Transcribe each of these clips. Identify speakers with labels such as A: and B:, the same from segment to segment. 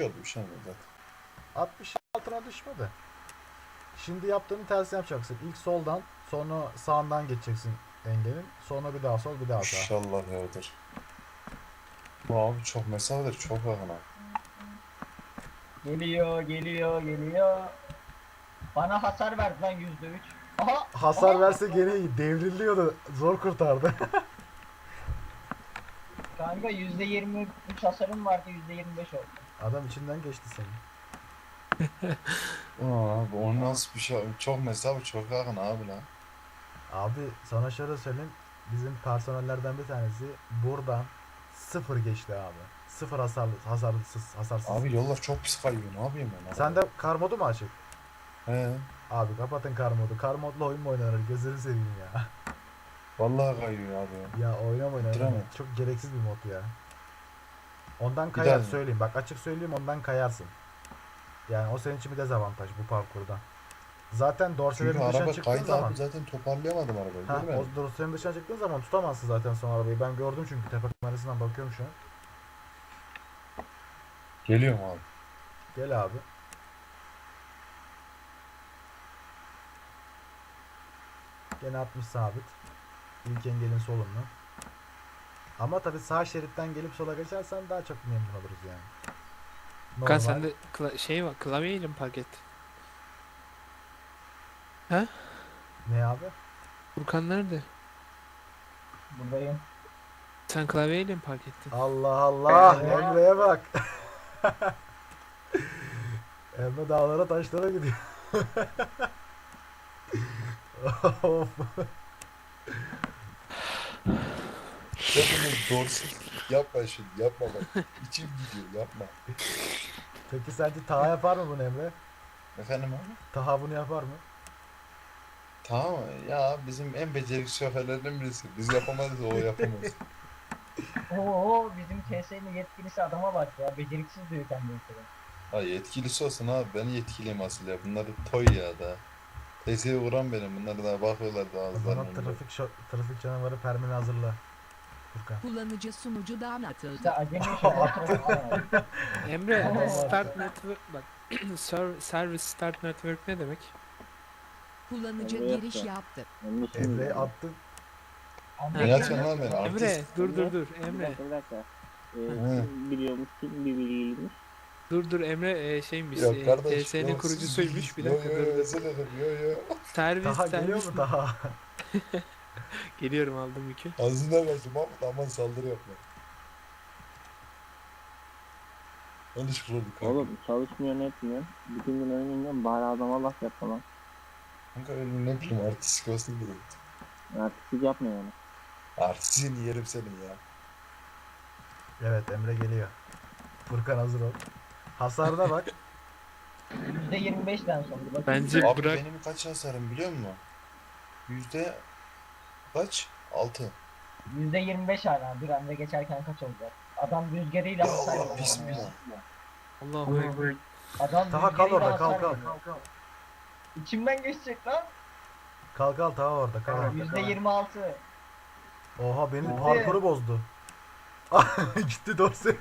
A: düşüyordu bir şey mi zaten?
B: 60 altına düşmedi. Şimdi yaptığını tersine yapacaksın. İlk soldan, sonra sağından geçeceksin engelin. Sonra bir daha sol, bir daha sağ.
A: İnşallah yağdır. Bu abi çok mesafeler çok yakın ha.
C: Geliyor, geliyor, geliyor. Bana hasar verdi lan %3. Aha!
B: Hasar
C: aha!
B: verse geri devriliyordu. Zor kurtardı.
C: Kanka %23 hasarım vardı, %25 oldu.
B: Adam içinden geçti senin.
A: Abi o nasıl bir şey? Çok mesafe çok yakın abi lan.
B: Abi sana şöyle söyleyeyim. Bizim personellerden bir tanesi buradan sıfır geçti abi. Sıfır hasarsız.
A: Abi yollar çok pis kayıyor. Ne yapayım ben?
B: Sen de kar modu mu açık?
A: He.
B: Abi kapatın kar modu. Kar modla oyun mu oynanır? Gözünü seveyim ya.
A: Vallahi kayıyor abi.
B: Ya oynama.
A: Bitiremem.
B: Çok gereksiz bir mod ya. Ondan
A: Bir
B: kayar
A: daha-
B: söyleyeyim. Bak açık söyleyeyim, ondan kayarsın. Yani o senin için bir dezavantaj bu parkurda. Zaten dorselerin
A: Çünkü
B: dışına
A: araba
B: çıktığın
A: kaydı
B: zaman.
A: abi zaten toparlayamadım arabayı.
B: Ha,
A: Görmedin mi?
B: o dorsenin dışına çıktığın zaman tutamazsın zaten son arabayı. Ben gördüm çünkü tepe kamerasından bakıyorum şu an.
A: Geliyorum abi.
B: Gel abi. Gene 60 sabit. İlk engelin solundan. Ama tabi sağ şeritten gelip sola geçersen daha çok memnun oluruz yani.
D: Furkan sende şey var, klavyeyle mi park ettin? Ha?
B: Ne abi?
D: Furkan nerede?
C: Buradayım.
D: Sen klavyeyle mi park ettin?
B: Allah Allah, Emre'ye bak. Emre dağlara taşlara gidiyor. Of.
A: Hepimiz doğrusu yapma şimdi yapma bak. İçim gidiyor yapma.
B: Peki sence Taha yapar mı bunu Emre?
A: Efendim abi?
B: Taha bunu yapar mı?
A: Tamam ya bizim en beceriksiz şoförlerden birisi. Biz yapamayız o yapamaz.
C: Oo, bizim TS'nin yetkilisi adama bak ya. Beceriksiz diyor kendisi.
A: Ha yetkilisi olsun abi ben yetkiliyim asıl ya. Bunlar toy ya da. TS'ye vuran benim. Bunlar daha bakıyorlar daha
B: O
A: ağızlarına.
B: zaman trafik canavarı permini hazırla. Furkan.
E: Kullanıcı sunucudan atıldı.
C: İşte acemi şoför.
D: Emre,
B: Tamam,
D: start network bak. Service start network ne demek?
E: Kullanıcı
F: Emre
E: giriş
F: yaptı.
E: yaptı.
B: Emre'yi attın.
A: Ne yapacaksın lan beni
D: Emre,
A: artist?
D: dur
F: Emre.
D: Emre.
F: Bir dakika.
A: Hı.
F: Kim biliyormuş, kim bir bilgiymiş.
D: Dur Emre şeymiş.
A: Yok kardeş.
D: TS'nin
A: yok,
D: kurucusuymuş. Bir
A: yo,
D: dakika
A: yo,
D: dur.
A: özür dilerim, yo yo.
D: Servis
B: Taha geliyor
D: servis.
B: mu Taha?
D: Geliyorum aldım yükü.
A: Ağzından versin Mahmut aman saldırı yapma. Yanlış vurduk kanka.
F: Oğlum çalışmıyor ne etmiyor. Bütün gün oynayınca bari adama laf yapma lan.
A: Kanka öyle ne bileyim artistik olsun dedim.
F: Artistik yapma yani.
A: Artistini yerim senin ya.
B: Evet, Emre geliyor. Furkan hazır ol. Hasarına bak.
C: %25'den sonra. Bakın.
D: Bence
A: Abi
D: bırak.
A: benim kaç hasarım biliyor musun? Yüzde kaç? 6.
C: %25 hala. Bir anda geçerken kaç olacak? Adam rüzgarıyla
A: Ya
C: hasar
A: Allah
C: veriyor.
A: bismillah.
D: Allahu Ekber.
C: Adam
B: Taha kal
C: rüzgarıyla
B: orada, kal
C: hasar
B: kal.
C: veriyor. İçimden geçecek lan.
B: Kal kal Taha orada, kal.
C: %26.
B: Oha benim
C: Gitti.
B: parkuru bozdu. Gitti dorse.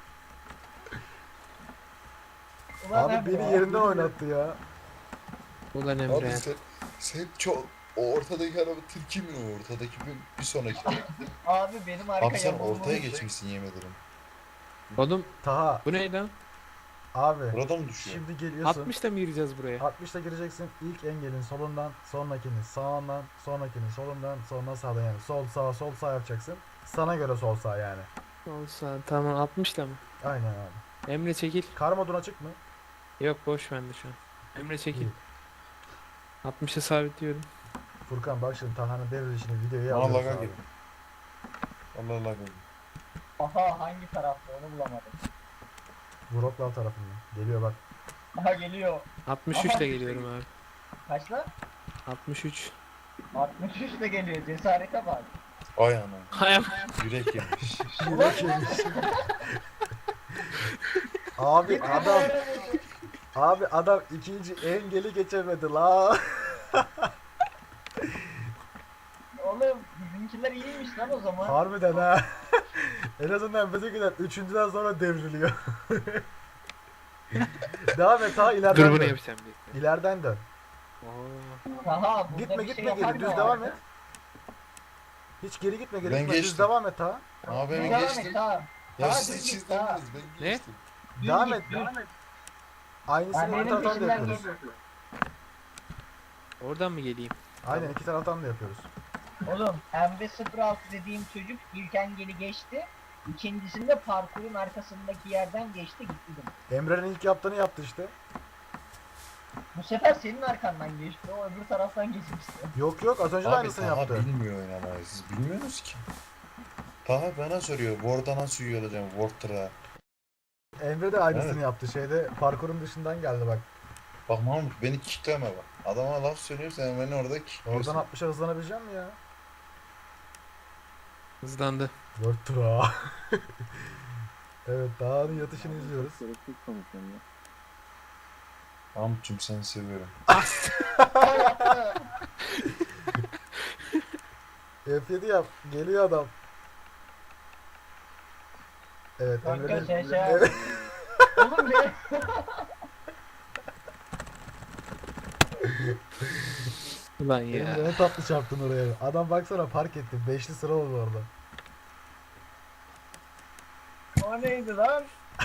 C: Ulan
B: Abi beni
C: ya.
B: yerinden oynattı ya.
D: Ulan
A: Abi
D: Emre.
A: sen çok o ortadaki araba tilki mi o ortadaki bir sonraki.
C: Abi benim arka
A: Abi sen
C: yamulmuş.
A: ortaya geçmişsin yemin ederim.
D: Oğlum
B: Taha
D: bu ne lan?
B: abi
A: Burada mı düşüyor?
B: şimdi geliyorsun.
D: 60'ta mı gireceğiz buraya?
B: 60'ta gireceksin. İlk engelin solundan, sonrakini sağından, sonrakini solundan, sonra sağdan yani. Sol sağ yapacaksın. Sana göre sol sağ yani.
D: Olsa tamam 60'ta mı?
B: Aynen abi.
D: Emre çekil.
B: Kar moduna açık mı?
D: Yok boş bende şu an. Emre çekil.
B: İyi.
D: 60'a sabitliyorum.
B: Furkan bak şimdi Taha'nın devrilişini videoya
A: Allah
B: alıyoruz
A: Allah
B: abi.
A: gel. Allah Allah gel.
C: Aha hangi tarafta onu bulamadım.
B: Wroclaw tarafından. Geliyor bak.
C: Aha geliyor.
D: 63'te geliyorum abi.
C: Kaç lan?
D: 63.
C: 63 de geliyor. Cesarete bak.
A: Ay ana.
D: Hayır.
A: Yürek yemiş.
B: Yürek yemiş. Abi adam ikinci engeli geçemedi la.
C: Oğlum bizimkiler iyiymiş lan o zaman.
B: Harbiden ha. En azından bizimkiler üçüncüden sonra devriliyor. Devam et ha, ileriden
D: Dur bunu
B: dön.
D: yapacağım bir.
B: İleriden dön.
D: Oo.
C: Taha burada
B: Gitme
C: bir
B: gitme
C: şey
B: geri,
C: yapar
B: düz
C: mı
B: devam
C: abi?
B: et. Hiç geri gitme, geri
A: Ben
B: gitme, düz
A: geçtim.
B: devam et ha.
A: Abi ben
C: Devam
A: geçtim.
C: et Taha.
A: Ya
C: Taha
A: siz
C: düz
A: hiç
C: git Taha.
A: izlemediniz. Ben
D: Ne?
A: geçtim.
C: Düz
B: Devam
C: git,
B: et.
C: düz.
B: Aynısını
C: Ben
B: iki
C: benim
B: taraftan da
C: peşimden
B: yapıyoruz.
C: geliyorsun.
D: Oradan mı geleyim?
B: Aynen, iki taraftan da yapıyoruz.
C: Oğlum MV06 dediğim çocuk ilk engeli geçti. İkincisinde parkurun arkasındaki yerden geçti gitti dedim.
B: Emre'nin ilk yaptığını yaptı işte.
C: Bu sefer senin arkandan geçti. O öbür taraftan geçmişti.
B: Yok yok, az önce de
A: Abi
B: aynısını
A: Taha
B: yaptı.
A: bilmiyor oynamayı. Siz bilmiyorsunuz ki. Taha bana soruyor. Ward'a nasıl üye olacağım? Ward'a.
B: Emre de aynısını
A: Evet.
B: yaptı. Şeyde parkurun dışından geldi bak.
A: Bak Mahmut beni kickleme bak. Adama laf söylüyorsan sen beni orada kickliyorsun.
B: Oradan 60'a hızlanabilecek mi ya?
D: Hızlandı.
B: 4 tura. Evet, Dağ'ın yatışını izliyoruz.
F: Çok gereksiz konuşuyorum ya.
A: Mahmut'cum seni seviyorum.
B: F7 yap. Geliyor adam. Evet,
C: Kanka
B: Emre'nin...
C: şey şey.
B: Evet.
C: Oğlum ne?
D: Ulan ya.
B: Emre ne tatlı çarptın oraya. Adam baksana park etti. 5'li sıra oldu orada.
C: O neydi lan?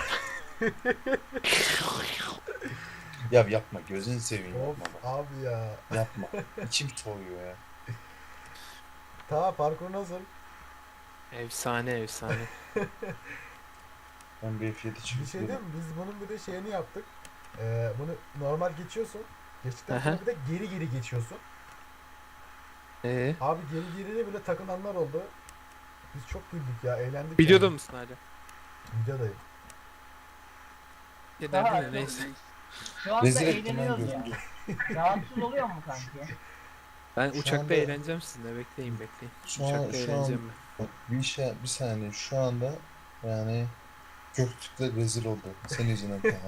A: Ya yapma gözünü seveyim
B: Of
A: yapma bak.
B: abi ya.
A: Yapma. İçim soğuyor ya.
B: Ta parkur nasıl?
D: Efsane efsane.
A: Ben bir F7
B: Bir
A: çıkıp
B: şey değil mi? Biz bunun bir de şeyini yaptık. Bunu normal geçiyorsun. Geçtikten
D: Aha.
B: sonra bir de geri geri geçiyorsun. Abi geri geriye bile takılanlar oldu. Biz çok güldük ya, eğlendik.
D: Videoda
B: yani.
D: mısın hala?
B: Videodayım.
D: Ya
C: Taha,
D: nerede neyse.
C: Şu anda
A: Rezil ettim ben
C: eğleniyoruz ya.
A: gözümü.
C: Rahatsız oluyor mu kanki?
D: Ben
A: Şu
D: uçakta
A: anda-
D: eğleneceğim sizinle. Bekleyin bekleyin.
A: Şu an,
D: Uçakta
A: şu an
D: eğleneceğim ben.
A: bak, bir saniye şu anda yani Göktürk'le rezil oldu. Senin yüzünden Taha.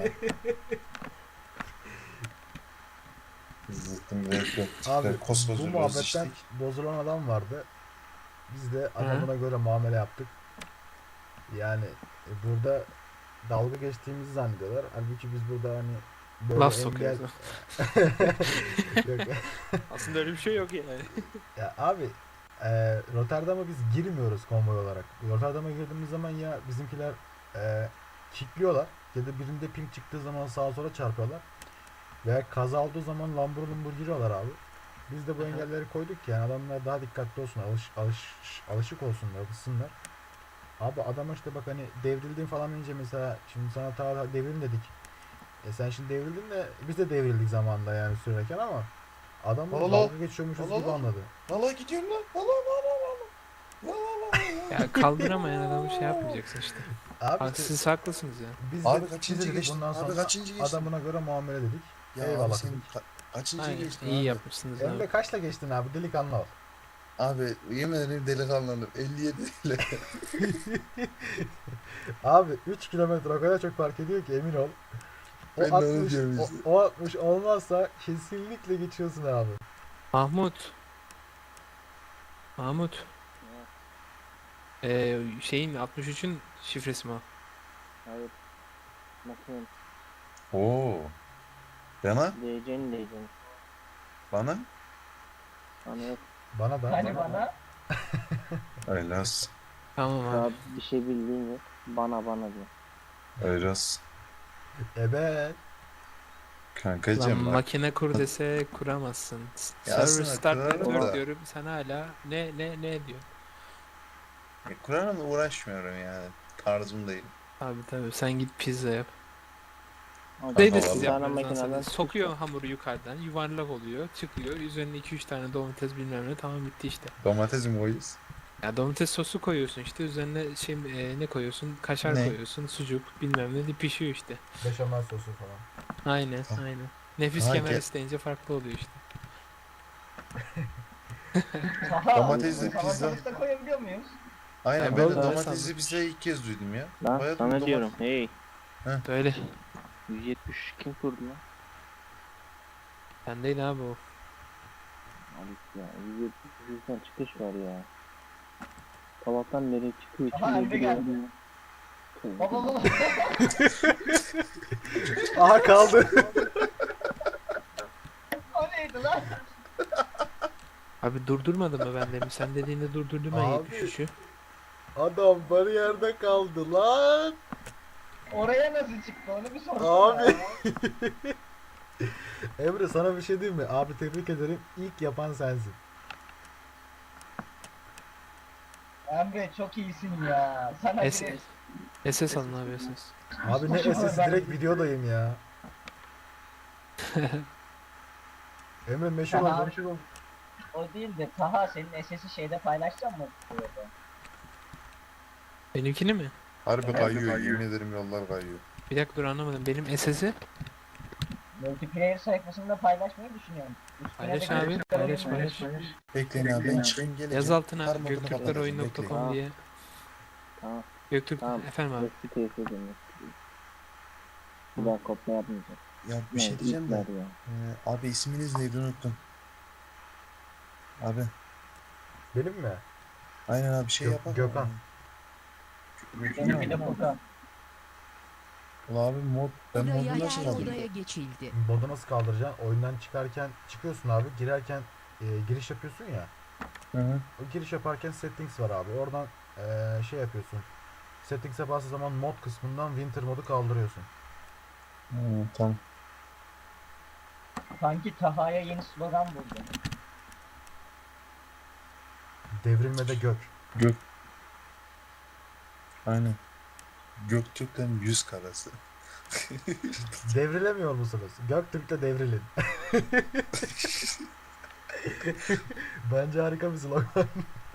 A: İzlettim ve
B: Abi
A: Göktürk'le
B: bu
A: koskoca
B: muhabbetten
A: roziştik.
B: bozulan adam vardı. Biz de adamına göre muamele yaptık. Yani burada dalga geçtiğimizi zannediyorlar. Halbuki biz burada hani böyle
D: Laf
B: engel...
D: sokuyoruz.
B: Yok.
D: Aslında öyle bir şey yok yani.
B: Ya abi Rotterdam'a biz girmiyoruz konvoy olarak. Rotterdam'a girdiğimiz zaman ya bizimkiler kickliyorlar ya da birinde ping çıktığı zaman sağa sola çarpıyorlar. Veya kaza olduğu zaman lambur lumbur giriyorlar abi. Biz de bu
D: Aha.
B: engelleri koyduk ki yani adamlar daha dikkatli olsun, alışık olsunlar, alışsınlar. Abi adama işte bak hani devrildin falan deyince mesela şimdi sana ta devrilin dedik. Sen şimdi devrildin de biz de devrildik zamanında yani sürerken ama adam da
A: Allah!
B: dalga geçiyormuşuz
A: Allah!
B: gibi anladı.
A: Valla gidiyorum lan. Valla
D: Ya kaldıramayan adamı şey yapmayacaksın işte.
B: Abi
D: Bak
B: işte
D: siz haklısınız ya.
B: biz
A: Abi
B: de,
A: kaçıncı
B: biz de dedik
A: geçtin?
B: bundan
A: Abi
B: sonra
A: kaçıncı geçtin?
B: adamına göre muamele dedik.
A: Ya
B: Eyvallah
A: abi sen
B: dedik.
A: kaçıncı
D: Aynen.
A: geçtin
D: İyi
A: abi?
D: yapmışsınız
B: Emre
D: abi.
B: kaçla geçtin abi, delikanlı ol.
A: Abi yemin ederim delikanlıyım. 57 ile.
B: Abi 3 kilometre o kadar çok fark ediyor ki emin ol. O
A: Ben de onu
B: 60,
A: diyorum işte.
B: o 60 olmazsa kesinlikle geçiyorsun abi.
D: Mahmut. Mahmut. Şeyin 63'ün şifresi mi o?
F: Hayır. Makinenin.
A: Oo. Bana?
F: DC'nin.
A: Bana?
F: Bana yok.
B: Bana da.
C: Hani bana?
A: Öyle olsun.
D: Tamam
F: Daha
D: abi.
F: bir şey bildiğin yok. Bana diyor.
A: Öyle olsun.
B: Evet.
D: Lan
A: Kankacım bak.
D: makine kur dese kuramazsın.
A: Ya
D: Server
A: aslında
D: start
A: kurarım
D: network
A: da.
D: diyorum sen hala ne diyor.
A: Kur'an'la uğraşmıyorum yani. Tarzım değil.
D: Tabii sen git pizza yap.
F: Abi,
D: Şey de
A: vallahi.
D: siz
F: bir tane
D: yapmanızdan
F: makineden
D: sonra sokuyor hamuru yukarıdan yuvarlak oluyor çıkıyor üzerine 2-3 tane domates bilmem ne tamam bitti işte.
A: Domates mi koyuyoruz?
D: Ya domates sosu koyuyorsun işte üzerine şey ne koyuyorsun kaşar
A: Ne?
D: koyuyorsun sucuk bilmem ne de pişiyor işte.
B: Beşamel sosu falan.
D: Aynen
A: Tamam.
D: aynen. Nefis
A: Ha,
D: kemer
A: ge-
D: isteyince farklı oluyor işte.
C: Taha,
A: Domatesli pizza.
C: salatamızda koyabiliyor muyuz?
A: Aynen
D: Ben
A: ben de
D: böyle
A: domatesli
D: sandım.
A: pizza ilk kez duydum ya.
F: Lan
A: Bayağı
F: sana
A: domates-
F: diyorum. Hey.
D: Böyle.
F: 170 kim kurdu lan?
D: Ben değil abi o.
F: Abi ya 170 yüzden çıkış var ya. Sabahtan nereye çıkıyor?
C: Aha,
F: içine
C: Emre
F: giriyor.
C: geldi.
F: Tövbe.
C: Baba baba.
B: Aha kaldı.
C: O neydi lan?
D: Abi durdurmadı mı ben demin? Sen dediğinde durdurdum ben
B: Abi.
D: düşüşü.
B: Adam bariyerde kaldı lan.
C: Oraya nasıl çıktı onu bir sorsana.
B: Abi. Emre sana bir şey diyeyim mi? Abi tebrik ederim. İlk yapan sensin.
C: Emre çok iyisin ya. Sana
D: SS,
C: bir
D: SS alın abi SS.
B: Abi ne sesi direkt videodayım ya. Emre meşhur
C: Taha,
B: oldum.
C: o değil de Taha senin SS'i şeyde paylaşacak mı?
D: Benimkini mi?
A: Harbi kayıyor, yemin ederim yollar kayıyor.
D: Bir dakika dur anlamadım. Benim SS'i
C: Multiplayer sayfasında paylaşmayı düşünüyorum. Üstüne
D: paylaş
C: de
D: abi.
C: Göktürkler
D: Paylaş
C: oyunu-
D: paylaş.
A: Bekleyin abi ben çıkayım geleceğim.
D: Yaz altına
A: Kar modunu
D: göktürkleroyun.com
A: kapatacağım,
D: diye.
F: Tamam.
D: Göktürk
F: Tamam.
D: efendim abi.
F: Eski teyze dönüyor. Bir daha kopya yapmayacağım.
A: Ya bir şey diyeceğim de.
F: ipler ya.
A: Abi isminiz neydi unuttum. Abi
B: Benim mi?
A: aynen abi şey yapar.
B: Gökhan.
C: Benim bir de Furkan.
A: Ulan abi mod ben modu
E: Odaya
A: nasıl
E: odaya
A: kaldırdım?
E: geçildi.
B: Modu nasıl kaldıracaksın? Oyundan çıkarken çıkıyorsun abi. Girerken giriş yapıyorsun ya.
A: Hı hı.
B: O giriş yaparken settings var abi. Oradan şey yapıyorsun. Settings'e bastığın zaman mod kısmından winter modu kaldırıyorsun.
A: Tamam.
C: Sanki Taha'ya yeni slogan buldum.
B: Devrilmede gök.
A: Aynen. Göktürk'ten 100 karası.
B: Devrilemiyor musunuz? Göktürk'te devrilin. Bence harika bir slogan.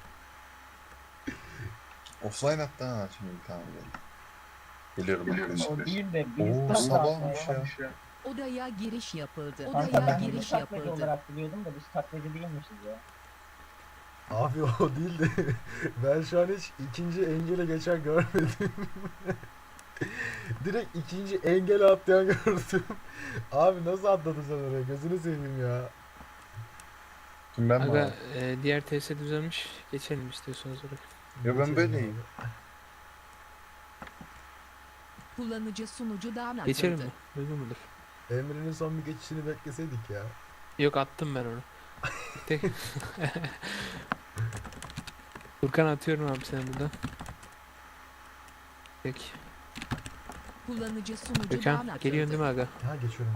A: Offline hatta ha şimdi tamam gel. Geliyorum arkadaşlar.
C: O değil de
A: Oo
C: biz
A: sabahmış ya.
E: Odaya giriş yapıldı.
C: Kanka
E: Odaya
C: ben bunu
E: giriş
C: taklacı
E: yapıldı.
C: olarak biliyordum da biz taklacı değilmişiz ya.
B: Abi o değil de ben şu an hiç ikinci engele geçen görmedim. Direkt ikinci engele atlayan gördüm. Abi nasıl atladın sen oraya? Gözünü seveyim ya.
A: Kim ben mi
D: Aga
A: abi?
D: diğer TS düzelmiş. Geçelim istiyorsanız oraya.
A: Ya ben
B: Geçelim
A: böyleyim.
B: abi.
E: Kullanıcı sunucudan
D: Geçelim
E: atıldı.
D: mi? Uygun mudur?
B: Emre'nin son bir geçişini bekleseydik ya.
D: Yok attım ben onu. Tek. Furkan atıyorum abi seni buradan. Peki.
E: Kullanıcı sunucudan
D: Gökhan
E: atıldı.
D: geliyorsun değil mi aga?
B: Ha geçiyorum.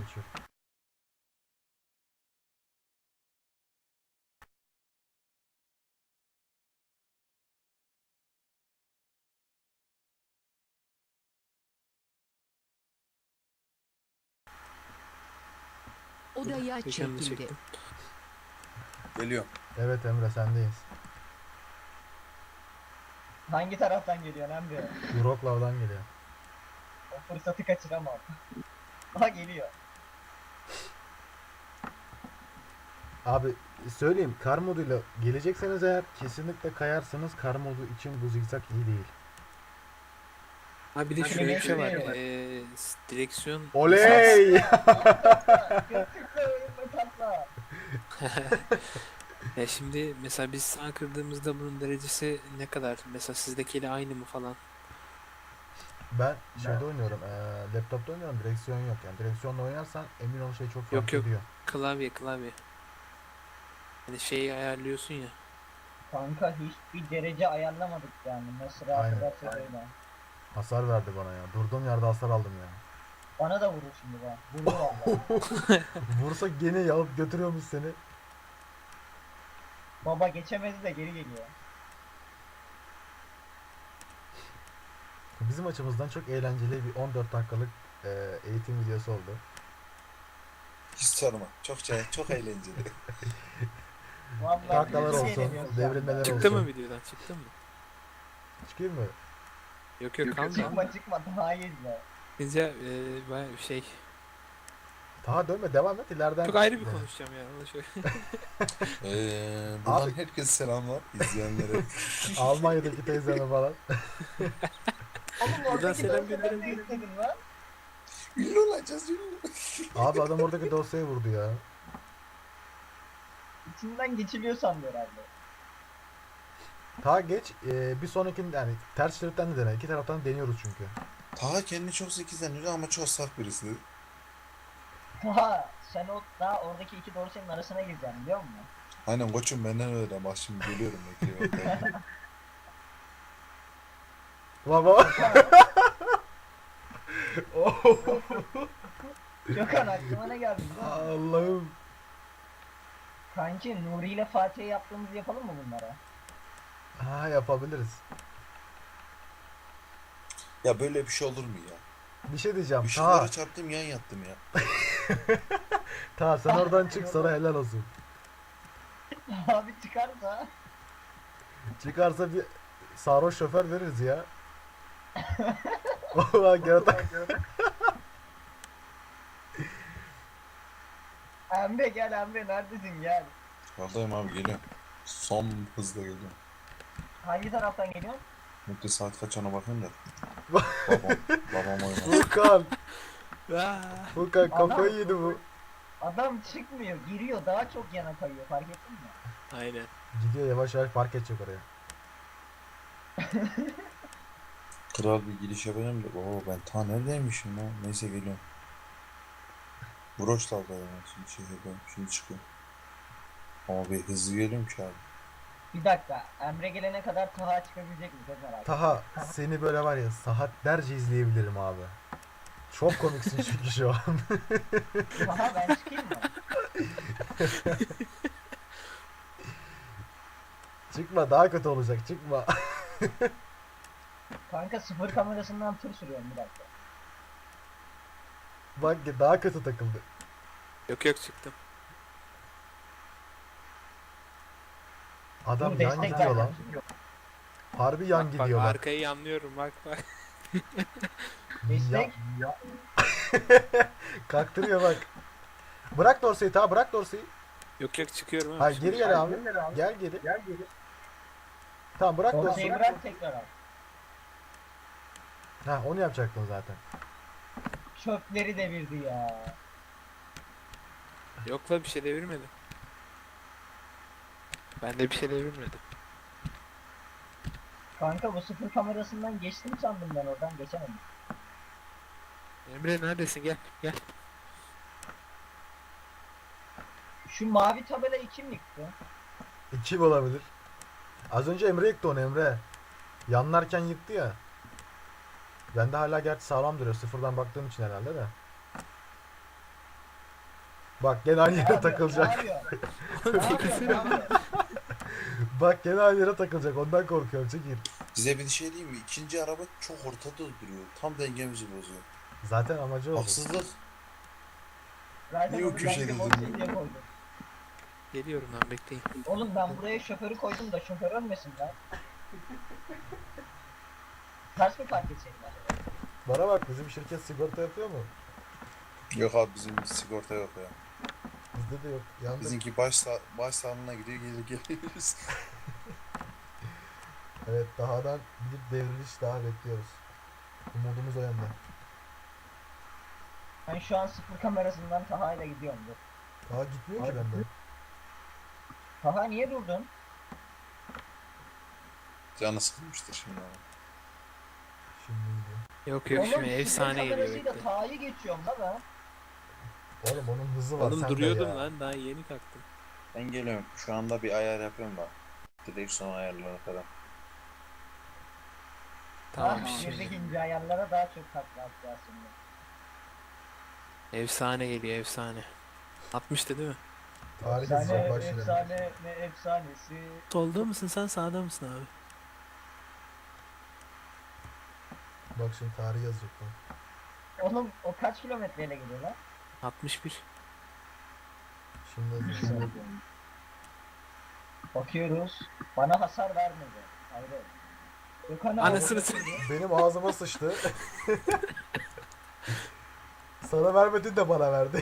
E: Odaya
D: Gökhan'ı da
E: çekildi.
D: çektim.
A: Geliyorum.
B: Evet Emre sendeyiz.
C: Hangi taraftan geliyorsun Emre?
B: Uroklav'dan geliyor.
C: O fırsatı kaçıramam. Aha geliyor.
B: Abi söyleyeyim kar moduyla gelecekseniz eğer kesinlikle kayarsınız. Kar modu için bu zigzag iyi değil.
D: Ha bir de
C: Hani
D: şöyle bir şey var.
C: neyse.
D: Direksiyon
B: Oley!
C: Göktürk'le oyunla tatla.
D: Ya şimdi mesela biz sağ kırdığımızda bunun derecesi ne kadar? Mesela sizdekiyle aynı mı falan?
B: Ben şeyde oynuyorum. Laptopta oynuyorum. Direksiyon yok. Yani direksiyonla oynarsan emin ol şey çok fark
D: Yok, yok.
B: ediyor.
D: Klavye. Hani şeyi ayarlıyorsun ya.
C: Kanka hiçbir derece ayarlamadık yani. Nasıl rahat
B: Aynen.
C: ederse öyle.
B: Hasar verdi bana ya. Durduğum yerde hasar aldım ya.
C: Bana da vurur şimdi bak. Vurdu valla.
B: Vursa gene alıp götürüyormuş seni.
C: Baba geçemedi de geri geliyor.
B: Bizim açımızdan çok eğlenceli bir 14 dakikalık eğitim videosu oldu.
A: Hiç sorma. Çok eğlenceli.
C: Vallahi
B: Taklalar
C: biz
B: olsun,
C: eğleniyoruz
B: devrilmeler
C: şu anda.
D: Çıktı mı
B: olsun.
D: videodan? Çıktı mı?
B: Çıkayım mı?
D: Yok kaldı.
C: Çıkma daha iyi izle.
D: Bizce bayağı bir şey.
B: Daha dönme devam et ileriden.
D: Çok ayrı bir konuşacağım ya. Onu şöyle.
A: Buradan
B: Abi-
A: herkese selamlar izleyenlere.
B: Almanya'daki teyzeme falan.
C: Oğlum
D: Buradan
C: oradaki
D: selam
C: dosyaları
D: gönderelim.
C: ne istedin lan?
A: Ünlü olacağız ünlü.
B: Abi adam oradaki dosyayı vurdu ya.
C: İçinden geçiliyor sandı herhalde.
B: Ta geç bir sonrakinde yani ters şeritten de dene. İki taraftan deniyoruz çünkü.
A: Taha kendini çok zeki zannediyor ama çok saf birisi.
C: Taha sen daha oradaki iki dorsenin arasına gireceksin biliyor musun?
A: Aynen koçum benden öyle bak şimdi geliyorum bekliyorum.
B: Baba. Oh,
C: Gökhan aklıma ne geldi biliyor musun?
B: Allah'ım.
C: Kanki Nuri ile Fatih'e yaptığımızı yapalım mı bunlara?
B: Ha, yapabiliriz.
A: Ya böyle bir şey olur mu ya?
B: Bir şey diyeceğim.
A: Işıklara çarptım yan yattım ya.
B: Sen oradan çık, sana helal olsun.
C: Abi çıkarsa.
B: Çıkarsa bir sarhoş şoför veririz ya. Valla gerçekten.
C: Emre gel Emre neredesin gel.
A: Yoldayım abi geliyorum. Son hızla geliyorum.
C: Hangi taraftan geliyorsun?
A: Mutlu saat kaç ona bakayım da. babam oynar.
B: Furkan.
D: Aa,
B: Furkan kafayı yedi bu.
C: Adam çıkmıyor giriyor daha çok yana kayıyor fark ettin mi?
D: aynen.
B: Gidiyor yavaş yavaş park edecek oraya.
A: Kral bir giriş yapayım da. Oo ben ta neredeymişim lan. Neyse geliyorum. Vroşlav'dayım ben şimdi şehirdeyim. Şimdi çıkıyorum. Ama bir hızlı geliyorum ki abi.
C: Bir dakika Emre gelene kadar Taha çıkabilecek mi? Çok merak ettim.
B: Taha, seni böyle var ya saatlerce izleyebilirim abi. Çok komiksin çünkü şu an.
C: Taha ben çıkayım mı?
B: Çıkma, daha kötü olacak, çıkma.
C: Kanka sıfır kamerasından tır sürüyorum bir dakika.
B: Bak daha kötü takıldı.
D: Yok yok çıktım.
B: Adam
C: Dur,
B: yan
C: destek
B: gidiyor lan.
C: verdim.
B: Harbi yan
D: Bak
B: gidiyor bak.
D: arkayı yanlıyorum bak bak.
C: Destek.
B: Kalktırıyor bak. Bırak dorseyi Taha, bırak dorseyi.
D: Yok yok çıkıyorum abi.
B: Hayır geri gel abi. Gel geri. Tamam bırak
C: Ortayı
B: dorseyi.
C: bırak tekrar al.
B: Ha, onu yapacaktın zaten.
C: Çöpleri devirdi ya.
D: Yok la bir şey devirmedim. Ben de bir şey devirmedim.
C: Kanka bu sıfır kamerasından geçtim sandım ben oradan geçemedim.
D: Emre neredesin gel gel.
C: Şu mavi tabelayı kim yıktı?
B: Kim olabilir? Az önce Emre yıktı onu, Emre. Yanlarken yıktı ya. Bende hala gerçi sağlam duruyor. Sıfırdan baktığım için herhalde de. Bak gene aynı yere takılacak.
C: Ne yapıyor? Ne yapıyor? Ne yapıyor?
B: Bak gene aynı yere takılacak. Ondan korkuyorum. Çekil.
A: Size bir şey diyeyim mi? İkinci araba çok ortada duruyor. Tam dengemizi bozuyor.
B: Zaten amacı o.
A: Haksızlık.
C: Zaten
A: Niye o
C: onu
A: köşede
C: ben de
A: duruyor?
C: diye koydum.
D: Geliyorum lan bekleyin.
C: Oğlum ben buraya şoförü koydum da şoför ölmesin lan. Ters mi park etseydim acaba?
B: Bana bak, bizim şirket sigorta yapıyor mu?
A: Yok abi bizim sigorta yok ya.
B: Bizde de yok. Yandık.
A: Bizimki baş sağlığına gidiyor geliyoruz.
B: Evet, dahadan bir devriliş daha bekliyoruz. Umudumuz o yönde.
C: Ben şu an sıfır kamerasından Taha ile gidiyorum. Dur.
B: Daha gitmiyor ki bende.
C: Taha niye durdun?
A: Canı sıkılmıştır şimdi abi.
B: Şimdi gidiyor.
D: Yok yok şimdi
C: sıfır
D: efsane geliyor
C: kamerasıyla
D: bekle.
C: Taha'yı geçiyorum da ben.
B: Oğlum onun hızı var
D: Oğlum
B: sende
D: duruyordum
B: ya.
D: lan daha yeni kalktım.
A: Ben geliyorum. Şu anda bir ayar yapıyorum da. Direksiyon ayarlarına falan.
D: Tamam
C: Ah,
D: şimdi.
C: şuradaki ince ayarlara daha çok takla atacağız şimdi.
D: Efsane geliyor efsane. 60'tı değil mi?
B: Tarih yazacak bak şimdi.
C: Efsane ne efsanesi.
D: Solda mısın sen sağda mısın abi?
B: Bak şimdi tarih yazacak bak.
C: Oğlum o kaç kilometreyle gidiyor lan?
D: 61.
B: Şimdi yazacak.
C: Bakıyoruz. Bana hasar vermedi. Hayır. Gökhan abi.
D: Anasını
B: Benim ağzıma sıçtı. Sana vermedin de bana verdi.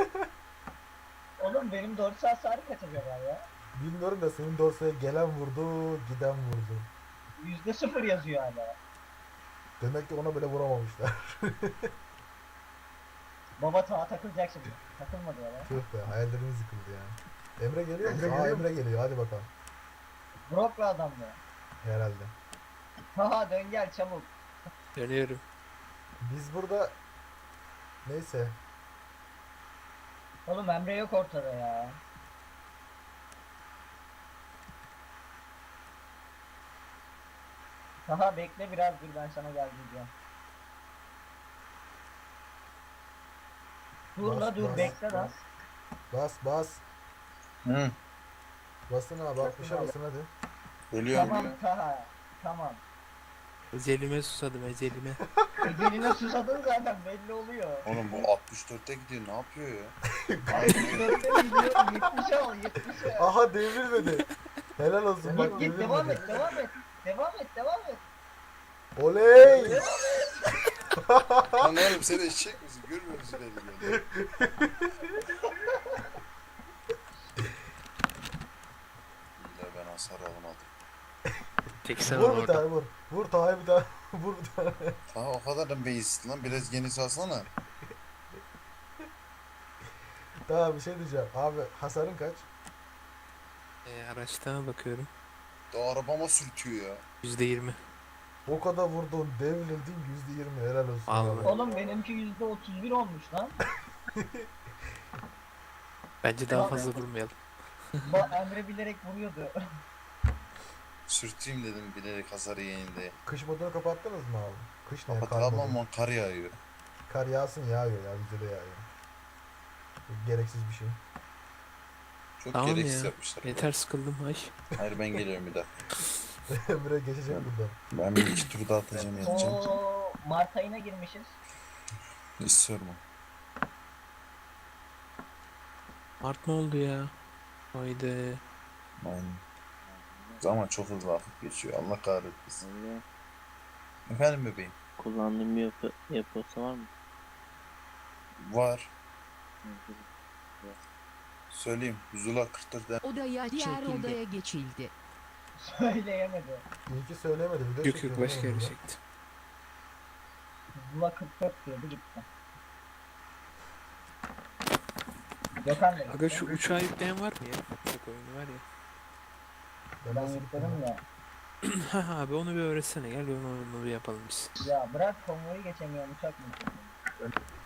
C: Oğlum benim dorsi hasarı kaç acaba ya?
B: Bilmiyorum da senin dorsaya gelen vurdu, giden vurdu.
C: %0 yazıyor hala.
B: Demek ki ona bile vuramamışlar.
C: Baba Taha takılacak şimdi. Takılmadı ya.
B: Tüh be, hayallerimiz yıkıldı ya. Emre geliyor mu? Aa, Emre geliyor, hadi bakalım.
C: Broklu adam mı?
B: Herhalde.
C: Taha dön gel çabuk.
D: Dönüyorum.
B: Biz burada neyse
C: Oğlum Emre yok ortada ya. Daha bekle biraz dur ben sana gel diyeceğim. Dur la dur bekle lan.
B: Bas.
A: Hı.
B: Basın abi 60'a basın hadi.
A: Ölüyorum.
C: Tamam Taha. Tamam.
D: Ecelime susadım ecelime.
C: Egeline susadın zaten belli oluyor.
A: Oğlum bu 64'te gidiyor ne yapıyor ya?
C: 64'te gidiyor 70'e al 70'e.
B: Aha devrilmedi. Helal olsun bak
C: Git devam
B: devrilmedi.
C: et devam et. Devam et devam et.
B: Oley!
A: Lan oğlum sen eşek misin? Görmüyor musun beni böyle? İlla ben hasar alamadım.
D: Tek sen
B: Vur bir
D: orada.
B: tane vur. Vur Taha'ya bir tane. Vur bir tane.
A: Ha o kadar da beyizsin lan biraz geniş alsana.
B: Daha bir şey diyeceğim. Abi hasarın kaç?
D: Araçtan bakıyorum.
A: Daha arabama sürtüyor ya.
D: %20.
B: O kadar vurdun devrildin %20 helal olsun.
D: Vallahi.
B: abi.
C: Oğlum benimki %31 olmuş lan.
D: Bence daha fazla vurmayalım.
C: Bak Emre bilerek vuruyordu.
A: Sürteyim dedim bilerek hasarı yeneyim diye.
B: Kış modunu kapattınız mı abi? Kış ne? Kar
A: Kapatalım
B: modu.
A: ama kar yağıyor.
B: Kar yağsın yağıyor ya bize de yağıyor. Gereksiz bir şey.
A: Çok
D: Tamam
A: gereksiz
D: ya.
A: yapmışlar.
D: Yeter sıkıldım ay.
A: Hayır ben geliyorum bir daha.
B: Emre geçecek buradan.
A: Ben bir iki tur daha atacağım yatacağım.
C: Oo Mart ayına girmişiz.
A: Hiç sorma.
D: Mart ne oldu ya? Haydi.
A: Aynen. Zaman çok hızlı vakit geçiyor. Allah kahretmesin.
F: Öyle.
A: Efendim bebeğim.
F: Kullandığım bir yapısı var mı?
A: Var. Söyleyeyim. Zula 44'den
E: Odaya diğer
D: Çekildi.
E: odaya geçildi.
C: Söyleyemedi.
B: İyi ki söylemedi. Video
D: Yok yok
B: çekiyor
D: başka
B: oğlum
D: yere
B: burada.
D: çektim.
C: Zula 44 diyordu gitti. Gökhan dedi.
D: Aga şu uçağı yükleyen var mı ya? Uçak oyunu var ya.
B: Ben
C: Ben
B: nasıl gittim
C: yükledim
B: ya?
C: ya.
D: Ha abi onu bir öğretsene gel onu bir yapalım biz.
C: Ya bırak konvoyu geçemiyorum uçak mı geçemiyorum.